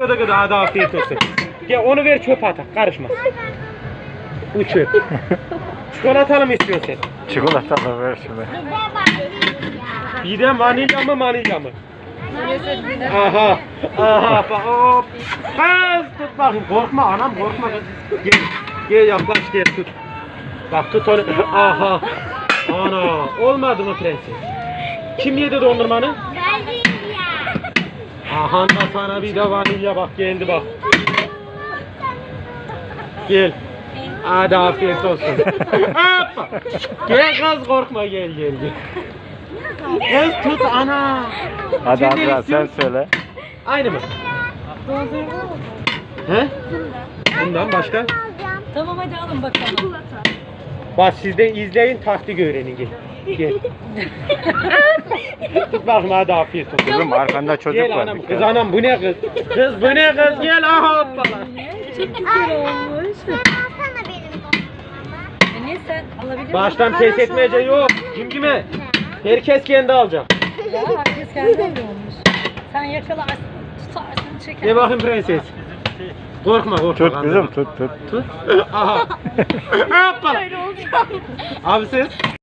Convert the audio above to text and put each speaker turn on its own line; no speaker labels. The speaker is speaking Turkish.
Gıdı gıdı hadi afiyet olsun. Gel onu ver çöpe atak karışma. Bu çöp. Çikolatalı mı istiyorsun sen?
Çikolatalı ver şunu.
Bir de vanilya mı? Aha. Aha. Hop. Kız tut bakayım. Korkma anam korkma kız. Gel yaklaş gel tut. Bak tut onu. Aha. Ana. Olmadı mı prenses? Kim yedi dondurmanı? Aha da sana bir de vanilya bak geldi bak. Gel. Hadi afiyet olsun. Hoppa. Gel kız korkma gel. Kız tut ana.
Hadi
Sen
Azra
nereye
sen
istiyorsun?
söyle.
Aynı mı? He? Bundan başka?
Tamam hadi alın bakalım.
Bak siz de izleyin taktik öğrenin gel. Tut bakayım hadi afiyet olsun.
Kızım arkanda çocuk
Gel
var.
anam
bir
kız
tane.
anam bu ne kız? Kız bu ne kız gel aha hoppala.
Çok güzel olmuş.
Alsana benim dondurmamı.
Ne sen alabilir misin?
Baştan pes etmeyece yok. Cimcime. Herkes kendi alacak.
Ya herkes kendi alıyormuş. Sen yakalarsın, tutarsın, çekersin.
Ne bakayım prenses. Korkma.
Tut kızım tut.
Tut. Aha. Hoppala. Abi siz?